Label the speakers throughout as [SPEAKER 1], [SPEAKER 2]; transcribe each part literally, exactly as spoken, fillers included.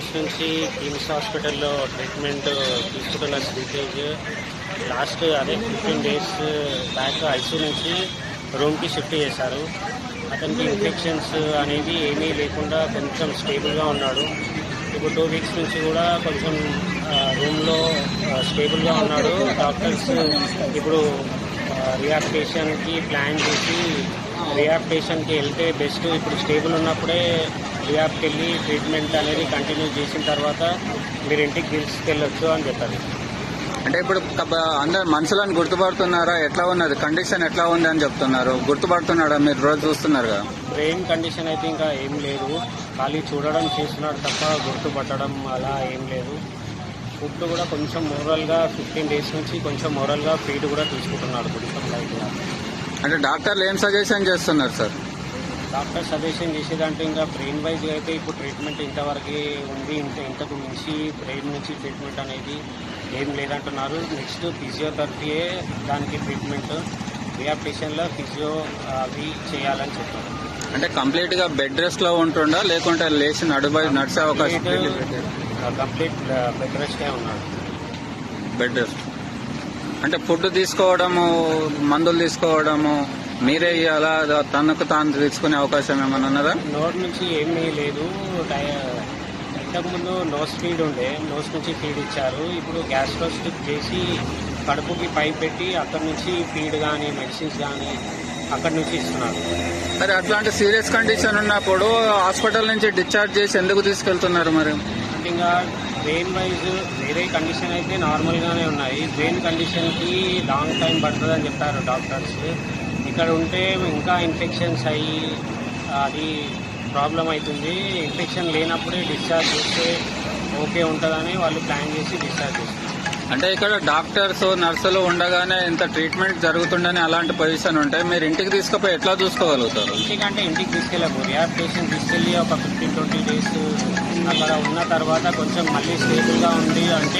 [SPEAKER 1] Days నుంచి కిమ్స్ హాస్పిటల్లో treatment తీసుకుంటున్న శ్రీతేజ్ లాస్ట్ అదే ఫిఫ్టీన్ డేస్ బ్యాక్ ఐసీ నుంచి రూమ్కి షిఫ్ట్ చేశారు. అతనికి ఇన్ఫెక్షన్స్ అనేది ఏమీ లేకుండా కొంచెం స్టేబుల్గా ఉన్నాడు. ఇప్పుడు టూ వీక్స్ నుంచి కూడా కొంచెం రూమ్లో స్టేబుల్గా ఉన్నాడు. డాక్టర్స్ ఇప్పుడు రిహాబిలిటేషన్కి ప్లాన్ చేసి రిహాబిలిటేషన్కి వెళ్తే బెస్ట్. ఇప్పుడు స్టేబుల్ ఉన్నప్పుడే రిహాబ్కి వెళ్ళి ట్రీట్మెంట్ అనేది కంటిన్యూ చేసిన తర్వాత మీరు ఇంటికి తీసుకెళ్ళొచ్చు అని చెప్పారు.
[SPEAKER 2] అంటే ఇప్పుడు అందరు మనుషులను గుర్తుపడుతున్నారా? ఎట్లా ఉన్నది కండిషన్, ఎట్లా ఉంది అని చెప్తున్నారు. గుర్తుపడుతున్నాడా? మీరు రోజు చూస్తున్నారు కదా.
[SPEAKER 1] బ్రెయిన్ కండిషన్ అయితే ఇంకా ఏం లేదు, ఖాళీ చూడడం చేస్తున్నాడు తప్ప గుర్తుపట్టడం అలా ఏం లేదు. ఫుడ్ కూడా కొంచెం మోరల్గా ఫిఫ్టీన్ డేస్ నుంచి కొంచెం మోరల్గా ఫీడ్ కూడా తీసుకుంటున్నాడు కొంచెం లైట్గా.
[SPEAKER 2] అంటే డాక్టర్లు ఏం సజెషన్ చేస్తున్నారు సార్?
[SPEAKER 1] డాక్టర్ సజెషన్ చేసేదంటే ఇంకా బ్రెయిన్ వైజ్ అయితే ఇప్పుడు ట్రీట్మెంట్ ఇంతవరకు ఉంది, ఇంత ఇంతకు మించి బ్రెయిన్ నుంచి ట్రీట్మెంట్ అనేది ఏం లేదంటున్నారు. నెక్స్ట్ ఫిజియోథెరపీయే దానికి ట్రీట్మెంట్, రిహాబిలిటేషన్లో ఫిజియో అవి చేయాలని చెప్పారు.
[SPEAKER 2] అంటే కంప్లీట్గా బెడ్ రెస్ట్లో ఉంటుండా లేకుంటే లేచి నడుబై నడిచే అవకాశం?
[SPEAKER 1] కంప్లీట్ బెడ్ రెస్టే ఉన్నాడు.
[SPEAKER 2] బెడ్ రెస్ట్ అంటే ఫుడ్ తీసుకోవడము, మందులు తీసుకోవడము మీరే ఇవ్వాలా, తనకు తాను తీసుకునే అవకాశం ఏమైనా ఉన్నదా?
[SPEAKER 1] నోట్ నుంచి ఏమీ లేదు. ఇంతకుముందు నోస్ ఫీడ్ ఉండే, నోస్ నుంచి ఫీడ్ ఇచ్చారు. ఇప్పుడు గ్యాస్ట్రో స్టిక్ చేసి కడుపుకి పైప్ పెట్టి అక్కడి నుంచి ఫీడ్ కానీ మెడిసిన్స్ కానీ అక్కడి నుంచి ఇస్తున్నారు.
[SPEAKER 2] మరి అట్లాంటి సీరియస్ కండిషన్ ఉన్నప్పుడు హాస్పిటల్ నుంచి డిశ్చార్జ్ చేసి ఎందుకు తీసుకెళ్తున్నారు? మరి
[SPEAKER 1] అంటే ఇంకా బ్రెయిన్ వైజ్ వేరే కండిషన్ అయితే నార్మల్గానే ఉన్నాయి. బ్రెయిన్ కండిషన్కి లాంగ్ టైం పడుతుందని చెప్పారు డాక్టర్స్. ఇక్కడ ఉంటే ఇంకా ఇన్ఫెక్షన్స్ అయ్యి అది ప్రాబ్లం అవుతుంది. ఇన్ఫెక్షన్ లేనప్పుడే డిశ్చార్జ్ చేస్తే ఓకే ఉంటుందని వాళ్ళు ప్లాన్ చేసి డిశ్చార్జ్ చేస్తారు.
[SPEAKER 2] అంటే ఇక్కడ డాక్టర్స్ నర్సులు ఉండగానే ఇంత ట్రీట్మెంట్ జరుగుతుండని అలాంటి పొజిషన్ ఉంటే మీరు ఇంటికి తీసుకుపోయి ఎట్లా చూసుకోగలుగుతారు?
[SPEAKER 1] ఇంటికంటే ఇంటికి తీసుకెళ్ళకు, రిహాబిలిటేషన్ తీసుకెళ్ళి ఒక ఫిఫ్టీన్ ట్వంటీ డేస్ అక్కడ ఉన్న తర్వాత కొంచెం మళ్ళీ స్టేబుల్గా ఉంది అంటే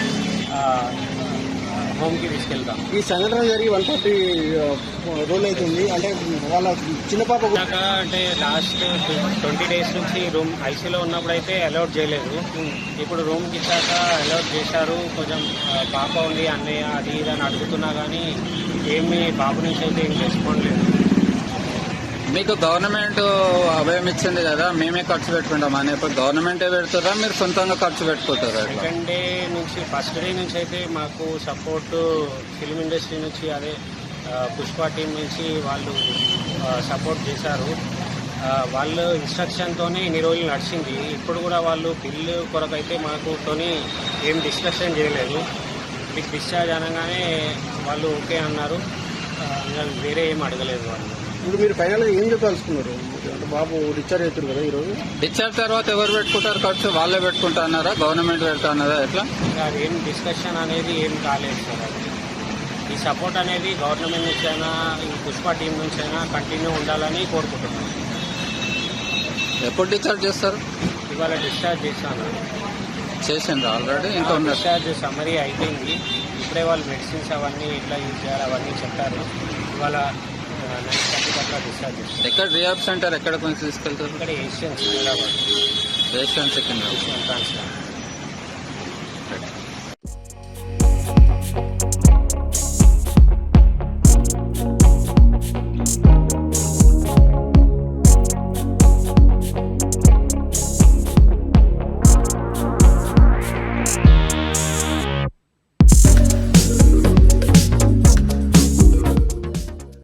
[SPEAKER 1] హోమ్కి తీసుకెళ్తాం.
[SPEAKER 3] ఈ సంఘటన జరిగి వన్ ఫార్టీ రోజులు అవుతుంది. అంటే వాళ్ళ చిన్న పాప
[SPEAKER 1] అంటే లాస్ట్ ట్వంటీ డేస్ నుంచి రూమ్ ఐసీలో ఉన్నప్పుడు అయితే అలౌట్ చేయలేదు. ఇప్పుడు రూమ్కి ఇచ్చాక అలౌట్ చేశారు. కొంచెం పాప ఉంది అన్నయ్య అది ఇది అని అడుగుతున్నా కానీ ఏమి బాబు నుంచి అయితే ఏం రెస్పాండ్ లేదు.
[SPEAKER 2] మీకు గవర్నమెంట్ అభయం ఇచ్చింది కదా, మేమే ఖర్చు పెట్టుకుంటాం అని. ఇప్పుడు గవర్నమెంటే పెడుతారా, మీరు సొంతంగా ఖర్చు పెట్టుకుంటారా?
[SPEAKER 1] సెకండ్ డే నుంచి ఫస్ట్ డే నుంచి అయితే మాకు సపోర్ట్ ఫిల్మ్ ఇండస్ట్రీ నుంచి అదే పుష్ప టీం నుంచి వాళ్ళు సపోర్ట్ చేశారు. వాళ్ళు ఇన్స్ట్రక్షన్తోనే ఇన్ని రోజులు నడిచింది. ఇప్పుడు కూడా వాళ్ళు బిల్లు కొరకైతే మాకుతోని ఏం డిస్కషన్ చేయలేదు. మీకు డిశ్చార్జ్ అనగానే వాళ్ళు ఓకే అన్నారు. వేరే ఏం అడగలేదు వాళ్ళు.
[SPEAKER 3] ఇప్పుడు మీరు ఫైనల్గా ఏం చెప్పాల్సుకున్నారు? అంటే బాబు డిశ్చార్జ్ అవుతారు కదా ఈరోజు.
[SPEAKER 2] డిశ్చార్జ్ తర్వాత ఎవరు పెట్టుకుంటారు ఖర్చు? వాళ్ళే పెట్టుకుంటా అన్నారా, గవర్నమెంట్ పెడతా అన్నారా, ఎట్లా?
[SPEAKER 1] ఏం డిస్కషన్ అనేది ఏం కాలేదు సార్. అది ఈ సపోర్ట్ అనేది గవర్నమెంట్ నుంచి అయినా ఈ పుష్ప టీం నుంచి అయినా కంటిన్యూ ఉండాలని కోరుకుంటున్నాను.
[SPEAKER 2] ఎప్పుడు డిశ్చార్జ్ చేస్తారు?
[SPEAKER 1] ఇవాళ డిశ్చార్జ్ చేశాను.
[SPEAKER 2] చేసిండ్రు ఆల్రెడీ? ఇంకా
[SPEAKER 1] డిశ్చార్జ్ సమ్మరీ అయిపోయింది. ఇప్పుడే వాళ్ళు మెడిసిన్స్ అవన్నీ ఎట్లా యూజ్ చేయాలి అవన్నీ చెప్పారు. ఇవాళ నైన్ థర్టీకి అట్లా డిశ్చార్జ్ చేస్తారు.
[SPEAKER 2] ఎక్కడ రిహాబ్ సెంటర్ ఎక్కడ కొంచెం తీసుకెళ్తారు?
[SPEAKER 1] ఇక్కడ Asian Secunderabad.
[SPEAKER 2] Asian Secunderabad
[SPEAKER 1] Asian transfer.